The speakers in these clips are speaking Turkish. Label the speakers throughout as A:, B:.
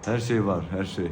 A: Her şey var, her şey.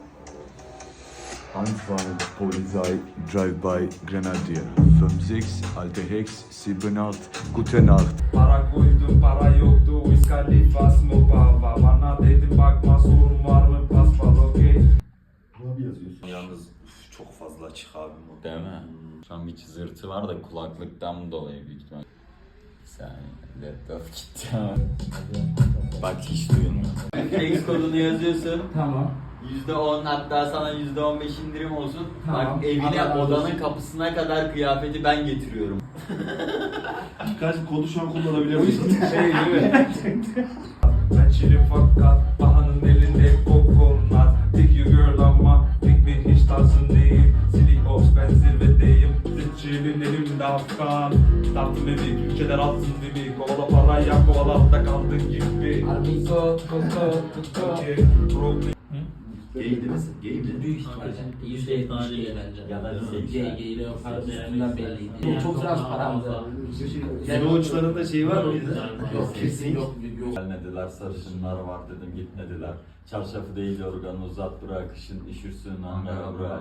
A: Antoine, Polizei, Drive-by, Grenadier. 5-6, Alte Hex, 7-8, Gute Nacht.
B: Para koydum, para yoktu, Wiz Khalifa, Smoke Baba. Bana dedim bakma, sorun var mı, paspal, okey.
C: Abi yazıyorsun.
D: Yalnız çok fazla açık abi bu. Değil mi? Şu an bir çızırtı var da kulaklıktan dolayı büyük ihtimal. Bir saniye. Laptop gitti ama. Bak hiç duyulmuyor. Flex kodunu yazıyorsun.
E: Tamam.
D: %10 hatta sana %15 indirim olsun.
E: Tamam.
D: Bak evine
E: Allah razı
D: odanın
E: olsun.
D: kapısına kadar kıyafeti ben getiriyorum.
C: Kaç kodu şu an kullanabiliyor musun?
E: Şey değil mi?
B: Ben çilim fakat Baha'nın elinde kokonat. Pick you girl ama pick me hiç tarzın değil. Silly ops ben zirvedeyim. Çilin elimde Afgan. Startım evi ülkeler alsın beni. Kovala parayla kovalapta kaldın gibi.
E: Armiko, Koko.
B: Okey, problem.
C: Gay değil misin? Gay mi?
E: Büyük ihtimalle. %70 değil bence.
D: Ya da
E: Gay o para üstünden belliydi. Çok biraz paramdı.
C: Senin uçlarında şey var mıydı?
E: Yok kesin yok.
D: Gelmediler, sarışınlar var dedim, gitmediler. Çarşafı değil yorganı uzat bırak, kışın üşürsün Ankara bırak.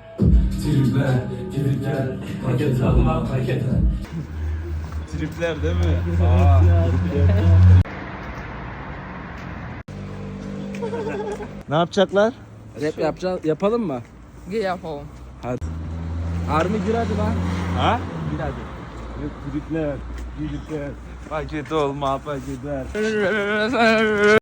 B: Tripler, paket alma, paket al.
A: Tripler değil mi? Ne yapacaklar?
E: Rap yapalım mı?
F: Gel yapalım.
E: Army gir hadi lan.
A: Ha?
E: Gir hadi.
A: Tripler, tripler. Paket olma, paketler.